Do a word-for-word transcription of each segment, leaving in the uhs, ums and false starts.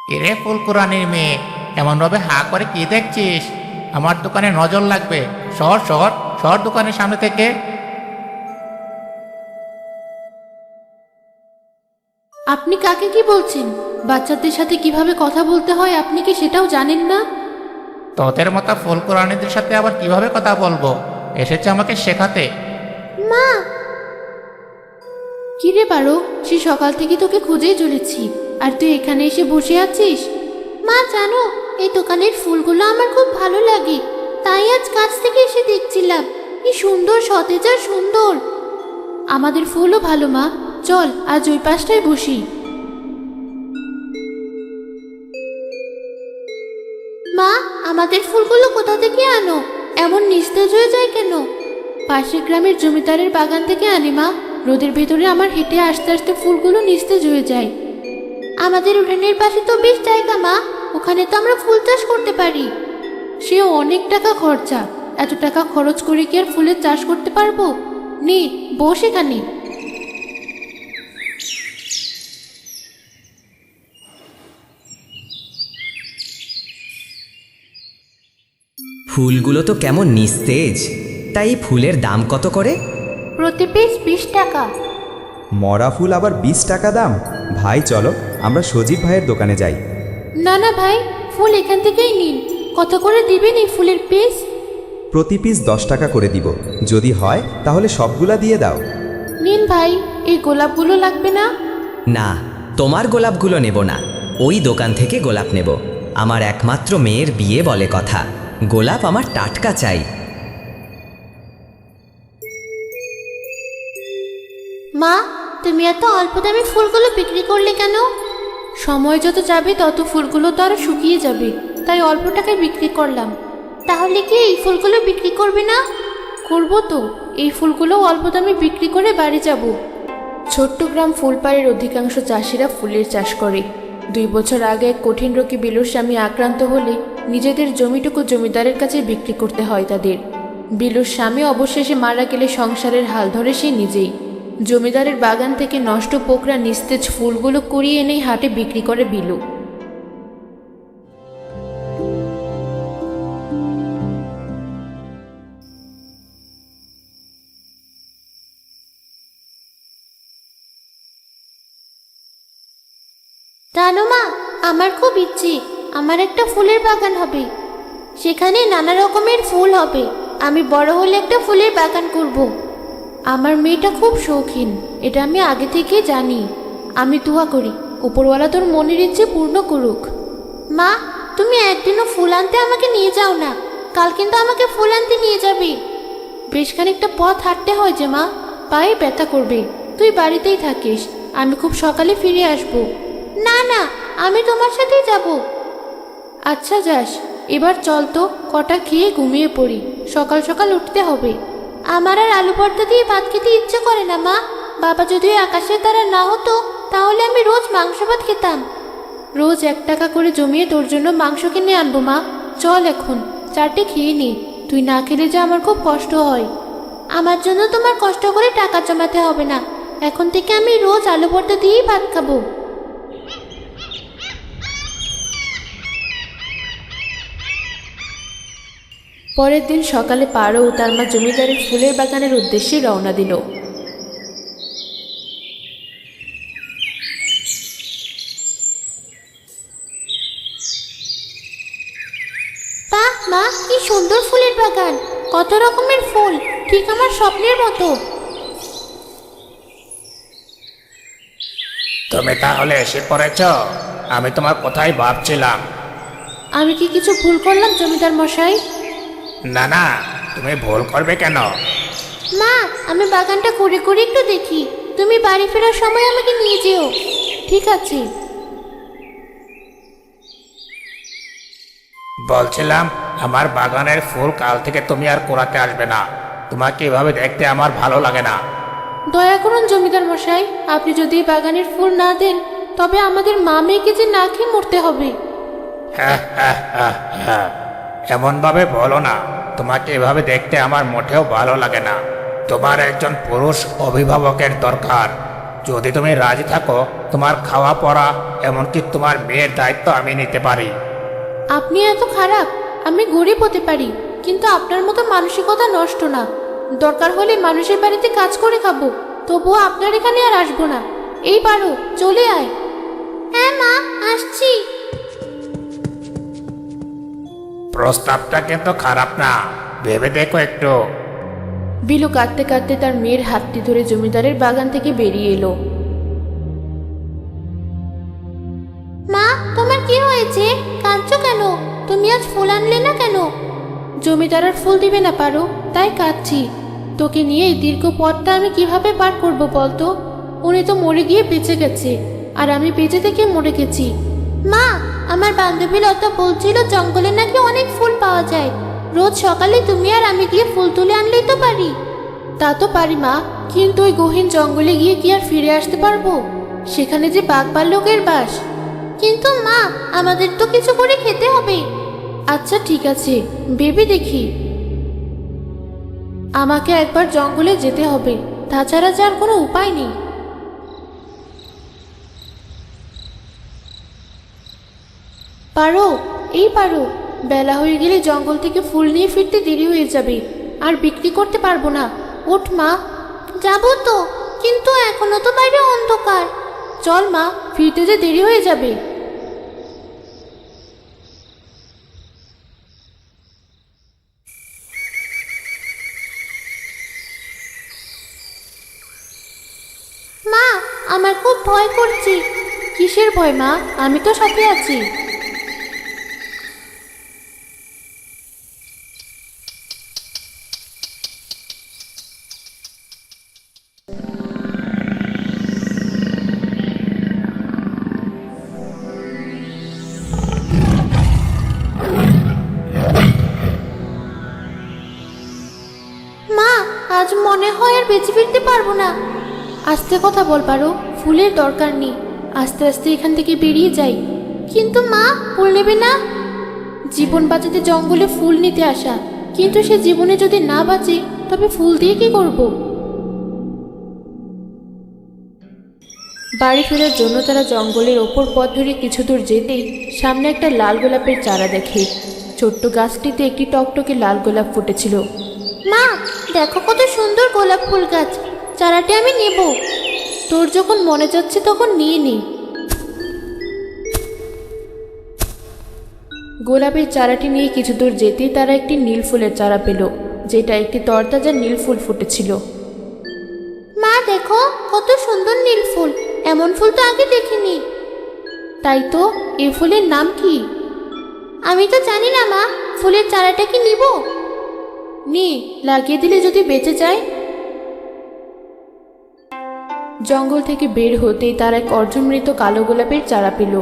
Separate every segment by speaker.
Speaker 1: কিরে ফুলকুরানির মেয়ে, এমন ভাবে হা করে কি দেখছিস? আমার দোকানে নজর লাগবে। সর সর সর দোকানের সামনে থেকে।
Speaker 2: আপনি কাকে কি বলছেন? বাচ্চাদের সাথে কিভাবে কথা বলতে হয় আপনি কি সেটাও জানেন না?
Speaker 1: তোদের মতো ফুলকুরানিদের সাথে আবার কিভাবে কথা বলবো? এসেছে আমাকে শেখাতে।
Speaker 2: মা! কি রে পারো, সে সকাল থেকে তোকে খুঁজেই চলেছি, আর তুই এখানে এসে বসে আছিস? মা জানো, এই দোকানের ফুলগুলো আমার খুব ভালো লাগে, তাই আজ কাছ থেকে এসে দেখছিলাম। কি সুন্দর, সতেজ আর সুন্দর। আমাদের ফুলও ভালো মা, চল আজ ওই পাশটায় বসি। মা, আমাদের ফুলগুলো কোথা থেকে আনো? এমন নিস্তেজ হয়ে যায় কেন? পাশের গ্রামের জমিদারের বাগান থেকে আনি মা। রোদের ভেতরে আমার হেঁটে আসতে আসতে ফুলগুলো নিস্তেজ হয়ে যায়। আমাদের উঠানের পাশে তো বেশ জায়গা মা, ওখানে তো আমরা ফুল চাষ করতে পারি। সে অনেক টাকা খরচা, এত টাকা খরচ করে কি আর ফুলের চাষ করতে পারবো? নে বস এখানে।
Speaker 3: ফুলগুলো তো কেমন নিস্তেজ, তাই ফুলের দাম কত করে?
Speaker 2: প্রতি পিস বিশ টাকা।
Speaker 4: মরা ফুল আবার বিশ টাকা দাম? ভাই চলো আমরা সজীব ভাইয়ের দোকানে যাই।
Speaker 2: না না ভাই, ফুল এখান থেকেই নিন। কত করে দিবেন এই ফুলের পিস?
Speaker 4: প্রতি পিস দশ টাকা করে দিব, যদি হয় তাহলে সবগুলা দিয়ে দাও।
Speaker 2: নিন ভাই, এই গোলাপগুলো লাগবে না?
Speaker 3: না, তোমার গোলাপগুলো নেব না, ওই দোকান থেকে গোলাপ নেব। আমার একমাত্র মেয়ের বিয়ে বলে কথা, গোলাপ আমার টাটকা চাই।
Speaker 2: মা, তুমি এত অল্প দামে ফুলগুলো বিক্রি করলে কেন? সময় যত যাবে তত ফুলগুলো তো আরো শুকিয়ে যাবে, তাই অল্প টাকায় বিক্রি করলাম। তাহলে কি এই ফুলগুলো বিক্রি করবে না? করবো তো, এই ফুলগুলো অল্প দামে বিক্রি করে বাড়ি যাব। ছোট্ট গ্রাম ফুলপাড়ের অধিকাংশ চাষিরা ফুলের চাষ করে। দুই বছর আগে এক কঠিন রোগে বিলুর স্বামী আক্রান্ত হলে নিজেদের জমিটুকু জমিদারের কাছে বিক্রি করতে হয় তাদের। বিলুর স্বামী অবশেষে মারা গেলে সংসারের হাল ধরে সে নিজেই। জমিদারের বাগান থেকে নষ্ট পোকরা নিস্তেজ ফুলগুলো কুড়িয়ে এনেই হাটে বিক্রি করে বিলু। জানো মা, আমার খুব ইচ্ছে আমার একটা ফুলের বাগান হবে, সেখানে নানা রকমের ফুল হবে। আমি বড় হলে একটা ফুলের বাগান করব। আমার মেয়েটা খুব শৌখিন, এটা আমি আগে থেকে জানি। আমি দোয়া করি উপরওয়ালা তোর মনের ইচ্ছে পূর্ণ করুক। মা, তুমি একদিনও ফুল আনতে আমাকে নিয়ে যাও না, কাল কিন্তু আমাকে ফুল আনতে নিয়ে যাবে। বেশ খানিকটা পথ হাঁটতে হয় যে মা, পায়ে ব্যথা করবে। তুই বাড়িতেই থাকিস, আমি খুব সকালে ফিরে আসব। না না, আমি তোমার সাথেই যাব। আচ্ছা যাস, এবার চল তো, কটা খেয়ে ঘুমিয়ে পড়ি, সকাল সকাল উঠতে হবে। আমার আর আলু ভর্তা দিয়ে ভাত খেতে ইচ্ছে করে না মা। বাবা যদি আকাশের তারা না হতো তাহলে আমি রোজ মাংস ভাত খেতাম। রোজ এক টাকা করে জমিয়ে তোর জন্য মাংস কিনে আনবো মা। চল এখন চারটে খেয়ে নি, তুই না খেলে যে আমার খুব কষ্ট হয়। আমার জন্য তোমার কষ্ট করে টাকা জমাতে হবে না, এখন থেকে আমি রোজ আলু ভর্তা দিয়েই ভাত খাবো। পরের দিন সকালে পারো ও তার মা জমিদারের ফুলের বাগানের উদ্দেশ্যে রওনা দিল। বাহ মা, কি সুন্দর ফুলের বাগান, কত রকমের ফুল, ঠিক আমার স্বপ্নের মতো।
Speaker 1: তুমি তাহলে এসে পড়েছ? আমি তোমার কথাই ভাবছিলাম।
Speaker 2: আমি কি কিছু ভুল করলাম জমিদার মশাই?
Speaker 1: না না, তুমি ভুল করবে কেন?
Speaker 2: মা, আমি বাগানটা ঘুরে ঘুরে একটু দেখি, তুমি বাড়ি ফেরার সময় আমাকে নিয়ে যেও। ঠিক আছে।
Speaker 1: বলছিলাম, আমার বাগানের ফুল কাল থেকে তুমি আর কোরাতে আসবে না। তোমাকে এভাবে দেখতে আমার ভালো লাগে না।
Speaker 2: দয়া করুন জমিদার মশাই, আপনি যদি এই বাগানের ফুল না দেন তবে আমাদের মা মেয়েকে যে না খেয়ে মরতে হবে।
Speaker 1: হ্যাঁ হ্যাঁ হ্যাঁ হ্যাঁ, এমন ভাবে বলো না। তোমাকে এভাবে দেখতে আমার মোটেও ভালো লাগে না। তোমার একজন পুরুষ অভিভাবকের দরকার। যদি তুমি রাজি থাকো তোমার খাওয়া পড়া এমনকি তোমার মেয়ের দায়িত্ব আমি নিতে পারি।
Speaker 2: আপনি এত খারাপ? আমি গরিব হতে পারি, কিন্তু আপনার মতো মানসিকতা নষ্ট না। দরকার হলে মানুষের বাড়িতে কাজ করে খাবো, তবুও আপনার এখানে আর আসবো না। এই পারো, চলে আয়। হ্যাঁ মা, আসছি।
Speaker 1: প্রস্তাবটা কিন্তু খারাপ না, ভেবে দেখো একটু।
Speaker 2: বিলু কাঁদতে কাঁদতে তার মেয়ের হাতটি ধরে জমিদারের বাগান থেকে বেরিয়ে এলো। মা, তোমার কি হয়েছে? কাঁদছো কেন? তুমি আজ ফুল আনলে না কেন? জমিদার আর ফুল দিবে না পারো, তাই কাঁদছি। তোকে নিয়ে এই দীর্ঘ পথটা আমি কিভাবে পার করব বলতো? উনি তো মরে গিয়ে বেঁচে গেছে, আর আমি বেঁচে থেকে মরে গেছি। মা, আমার বান্ধবী লতা বলছিল জঙ্গলে নাকি অনেক ফুল পাওয়া যায়। রোজ সকালে তুমি আর আমি গিয়ে ফুল তুলে আনলেই তো পারি। তা তো পারি মা, কিন্তু ওই গহীন জঙ্গলে গিয়ে কি আর ফিরে আসতে পারবো? সেখানে যে বাঘ ভাল্লুকের বাস। কিন্তু মা, আমাদের তো কিছু করে খেতে হবে। আচ্ছা ঠিক আছে, ভেবে দেখি। আমাকে একবার জঙ্গলে যেতে হবে, তাছাড়া যার কোনো উপায় নেই। পারো, এই পারো, বেলা হয়ে গেলে জঙ্গল থেকে ফুল নিয়ে ফিরতে দেরি হয়ে যাবে, আর বিক্রি করতে পারবো না। ওঠ মা। যাবো তো, কিন্তু এখনো তো বাইরে অন্ধকার। চল মা, ফিরতে যে দেরি হয়ে যাবে। মা, আমার খুব ভয় করছে। কিসের ভয় মা? আমি তো সাথে আছি। মা, আজ মনে হয় আর বেঁচে ফিরতে পারবো না। আস্তে কথা বল পারো, ফুলের দরকার নেই। আস্তে আস্তে এখান থেকে বেরিয়ে যাই। কিন্তু মা, ফুল নেবে না? জীবন বাঁচাতে জঙ্গলে ফুল নিতে আসা, কিন্তু সে জীবনে যদি না বাঁচে তবে ফুল দিয়ে কি করব? বাড়ি ফেরার জন্য তারা জঙ্গলের ওপর পথ ধরে কিছু দূর যেতেই সামনে একটা লাল গোলাপের চারা দেখে। ছোট্ট গাছটিতে একটি টকটকে লাল গোলাপ ফুটেছিল। মা, দেখো কত সুন্দর গোলাপ ফুল গাছ, চারাটি আমি নেব। তোর যখন মনে যাচ্ছে তখন নিয়ে নি। গোলাপের চারাটি নিয়ে কিছু দূর যেতেই তারা একটি নীল ফুলের চারা পেল, যেটা একটি তরতাজা নীল ফুল ফুটেছিল। মা দেখো, কত সুন্দর নীল ফুল, এমন ফুল তো আগে দেখিনি। তাই তো, এই ফুলের নাম কি? আমি তো জানি না মা, ফুলের চারাটা কি নিব? নি, লাগিয়ে দিলে যদি বেঁচে যায়। জঙ্গল থেকে বের হতেই তার এক অর্ধমৃত কালো গোলাপের চারা পেল।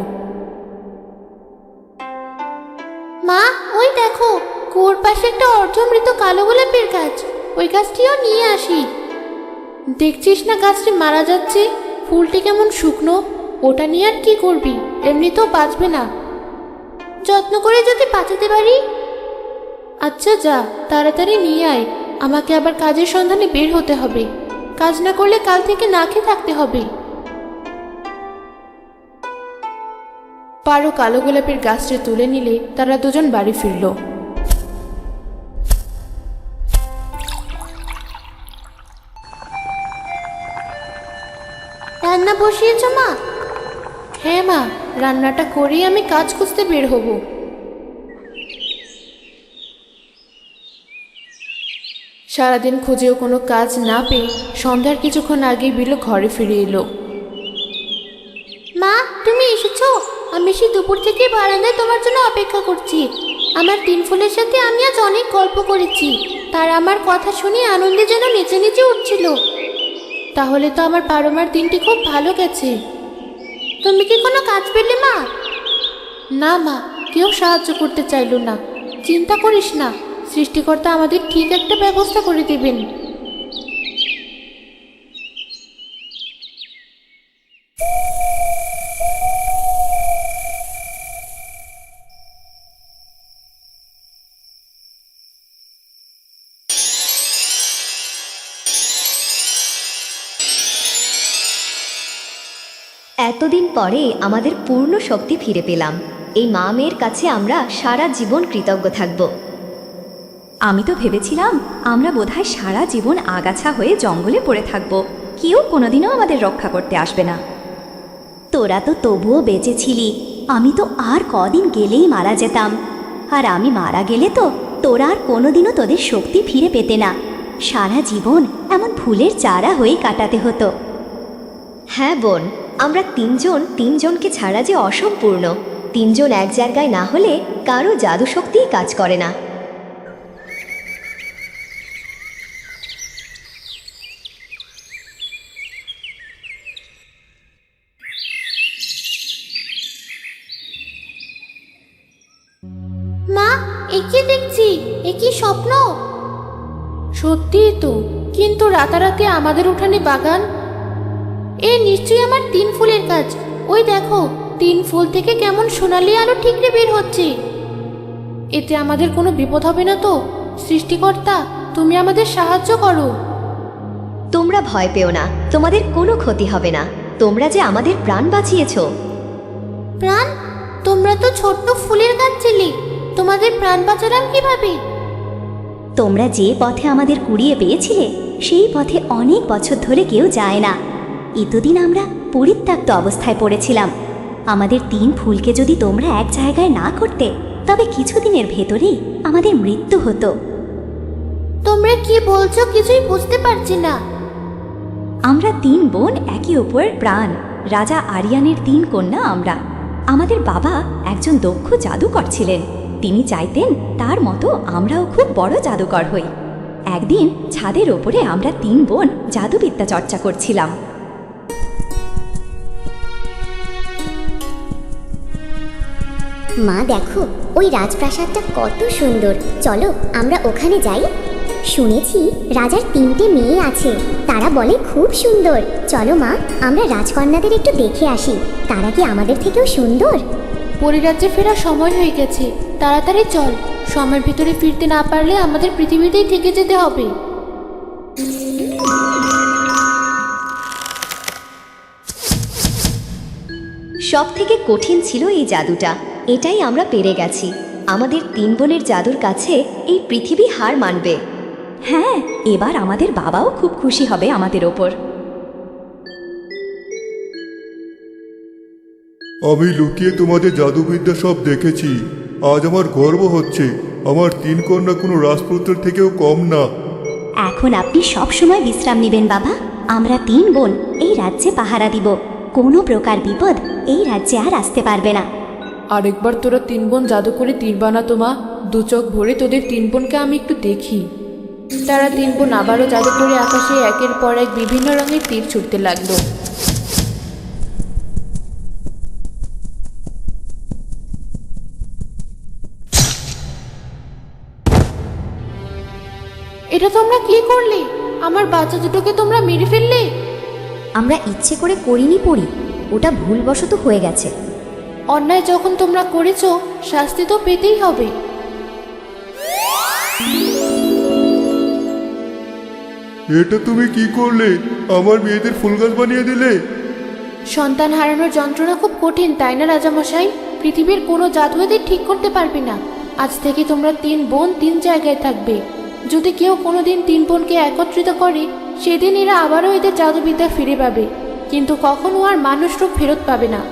Speaker 2: মা, ওই দেখো, কুয়োর পাশে একটা অর্ধমৃত কালো গোলাপের গাছ। ওই গাছটিও নিয়ে আসি। দেখছিস না গাছটি মারা যাচ্ছে? ফুলটি কেমন শুকনো। ওটা নিয়ে আর কি করবি? এমনিতেও বাঁচবে না। যত্ন করে যদি বাঁচাতে পারি। আচ্ছা যা, তাড়াতাড়ি নিয়ে আয়। আমাকে আবার কাজের সন্ধানে বের হতে হবে। কাজ না করলে কাল থেকে না খেয়ে থাকতে হবে। পারো কালো গোলাপের গাছটি তুলে নিলে তারা দুজন বাড়ি ফিরল। রান্না বসিয়েছ মা? হ্যাঁ মা, রান্নাটা করেই আমি কাজ খুঁজতে বের হব। সারাদিন খুঁজেও কোনো কাজ না পেয়ে সন্ধ্যার কিছুক্ষণ আগেই বিলু ঘরে ফিরে এলো। মা, তুমি এসেছো? আমি সেই দুপুর থেকে বারান্দায় তোমার জন্য অপেক্ষা করছি। আমার তিন ফুলের সাথে আমি আজ অনেক গল্প করেছি, তারা আমার কথা শুনে আনন্দে যেন নেচে নেচে উঠছিল। তাহলে তো আমার পারমার দিনটি খুব ভালো গেছে। তুমি কি কোনো কাজ পেলে মা? না মা, কেউ সাহায্য করতে চাইল না। চিন্তা করিস না, সৃষ্টিকর্তা আমাদের ঠিক একটা ব্যবস্থা করে দেবেন।
Speaker 5: এতদিন পরে আমাদের পূর্ণ শক্তি ফিরে পেলাম। এই মা মেয়ের কাছে আমরা সারা জীবন কৃতজ্ঞ থাকব।
Speaker 6: আমি তো ভেবেছিলাম আমরা বোধহয় সারা জীবন আগাছা হয়ে জঙ্গলে পড়ে থাকব, কেউ কোনোদিনও আমাদের রক্ষা করতে আসবে না। তোরা তো তবুও বেঁচে ছিলি, আমি তো আর কদিন গেলেই মারা যেতাম। আর আমি মারা গেলে তো তোরা আর কোনোদিনও তোদের শক্তি ফিরে পেতে না, সারা জীবন এমন ফুলের চারা হয়ে কাটাতে হতো।
Speaker 5: হ্যাঁ বোন, আমরা তিনজন তিনজনকে ছাড়া যে অসম্পূর্ণ। তিনজন এক জায়গায় না হলে কারো জাদু শক্তিই কাজ করে না।
Speaker 2: মা, এ কি দেখছি? এ কি স্বপ্ন? সত্যিই তো, কিন্তু রাতারাতি আমাদের উঠানে বাগান, এ নিশ্চয়ই আমার তিন ফুলের কাজ। ওই দেখো, তিন ফুল থেকে কেমন সোনালি আলো ঠিকরে বের হচ্ছে। এতে আমাদের কোনো বিপদ হবে না তো? সৃষ্টিকর্তা, তুমি আমাদের সাহায্য করো।
Speaker 5: তোমরা ভয় পেও না, তোমাদের কোনো ক্ষতি হবে না। তোমরা যে আমাদের প্রাণ বাঁচিয়েছো।
Speaker 2: প্রাণ? তোমরা তো ছোট্ট ফুলের গাছ ছিলে, তোমাদের প্রাণ বাঁচালাম কিভাবে?
Speaker 6: তোমরা যে পথে আমাদের কুড়িয়ে পেয়েছিলে সেই পথে অনেক বছর ধরে কেউ যায় না। এতদিন আমরা পরিত্যক্ত অবস্থায় পড়েছিলাম। আমাদের তিন ফুলকে যদি তোমরা এক জায়গায় না করতে, তবে কিছুদিনের ভেতরেই আমাদের মৃত্যু হতো।
Speaker 2: তোমরা কি বলছো কিছুই বুঝতে পারছি না।
Speaker 6: আমরা তিন বোন একে অপরের প্রাণ, রাজা আরিয়ানের তিন কন্যা আমরা। আমাদের বাবা একজন দক্ষ জাদুকর ছিলেন। তিনি চাইতেন তার মতো আমরাও খুব বড় জাদুকর হই। একদিন ছাদের ওপরে আমরা তিন বোন জাদুবিদ্যা চর্চা করছিলাম।
Speaker 7: মা দেখো, ওই রাজপ্রাসাদটা কত সুন্দর, চলো আমরা ওখানে যাই। শুনেছি রাজার তিনটে মেয়ে আছে, তারা বলে খুব সুন্দর। চলো মা, আমরা রাজকন্যাদের একটু দেখে আসি, তারা কি আমাদের থেকেও সুন্দর?
Speaker 2: পরিরাজ্যে ফেরার সময় হয়ে গেছে, তাড়াতাড়ি চল। সময়ের ভিতরে ফিরতে না পারলে আমাদের পৃথিবীতেই থেকে যেতে হবে।
Speaker 5: সব থেকে কঠিন ছিল এই জাদুটা, এটাই আমরা পেরে গেছি। আমাদের তিন বোনের জাদুর কাছে এই পৃথিবী হার মানবে।
Speaker 6: হ্যাঁ, এবার আমাদের বাবাও খুব খুশি হবে আমাদের ওপর।
Speaker 8: আমি লুকিয়ে তোমাদের জাদুবিদ্যা সব দেখেছি। আজ আমার গর্ব হচ্ছে, আমার তিন কন্যা কোনো রাজপুত্রের থেকেও কম না।
Speaker 6: এখন আপনি সব সময় বিশ্রাম নেবেন বাবা। আমরা তিন বোন এই রাজ্যে পাহারা দিব, কোনো প্রকার বিপদ এই রাজ্যে আর আসতে পারবে না।
Speaker 9: আরেকবার তোরা তিন বোন জাদু করে তীর বানাতো মা, দু চোখ ভরে তোদের তিন বোনকে আমি একটু দেখি।
Speaker 2: তারা তিন বোন আবারও জাদু করে আকাশে একের পর এক বিভিন্ন রঙের তীর ছুটতে লাগলো। এটা তোমরা কি করলে? আমার বাচ্চা দুটোকে তোমরা মেরে ফেললে।
Speaker 5: আমরা ইচ্ছে করে করিনি পড়ি, ওটা ভুলবশত হয়ে গেছে।
Speaker 2: অন্যায় যখন তোমরা করেছো, শাস্তি তো পেতেই হবে।
Speaker 8: এটা তুমি কি করলে? আমার মেয়েদের ফুল গাছ বানিয়ে দিলে।
Speaker 2: সন্তান হারানোর যন্ত্রণা খুব কঠিন, তাই না রাজামশাই? পৃথিবীর কোনো জাদু এদের ঠিক করতে পারবে না। আজ থেকে তোমরা তিন বোন তিন জায়গায় থাকবে। যদি কেউ কোনোদিন তিন বোনকে একত্রিত করে, সেদিন এরা আবারও এদের জাদুবিদ্যা ফিরে পাবে, কিন্তু কখনো আর মানুষ রূপ ফেরত পাবে না।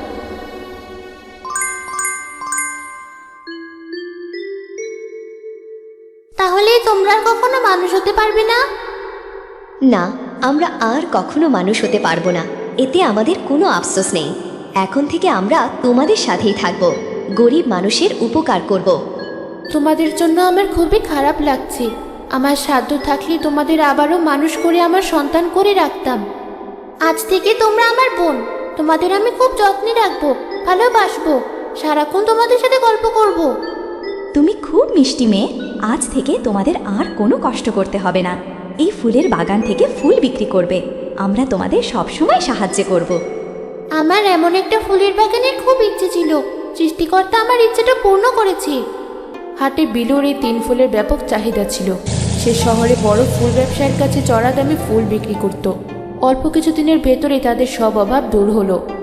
Speaker 2: তাহলে তোমরা কখনো মানুষ হতে পারবে না?
Speaker 5: না, আমরা আর কখনো মানুষ হতে পারবো না, এতে আমাদের কোনো আফসোস নেই। এখন থেকে আমরা তোমাদের সাথেই থাকব, গরিব মানুষের উপকার করব।
Speaker 2: তোমাদের জন্য আমার খুবই খারাপ লাগছে। আমার সাধ্য থাকলে তোমাদের আবারও মানুষ করে আমার সন্তান করে রাখতাম। আজ থেকে তোমরা আমার বোন, তোমাদের আমি খুব যত্নে রাখবো, ভালোবাসবো, সারাক্ষণ তোমাদের সাথে গল্প করব।
Speaker 6: তুমি খুব মিষ্টি মেয়ে, আজ থেকে তোমাদের আর কোনো কষ্ট করতে হবে না। এই ফুলের বাগান থেকে ফুল বিক্রি করবে, আমরা তোমাদের সব সময় সাহায্য করব।
Speaker 2: আমার এমন একটা ফুলের বাগানের খুব ইচ্ছে ছিল, সৃষ্টিকর্তা আমার ইচ্ছেটা পূর্ণ করেছে।
Speaker 9: হাটে বিলুর এই তিন ফুলের ব্যাপক চাহিদা ছিল। সে শহরে বড় ফুল ব্যবসায়ীর কাছে চড়া দামে ফুল বিক্রি করত। অল্প কিছুদিনের ভেতরে তাদের সব অভাব দূর হলো।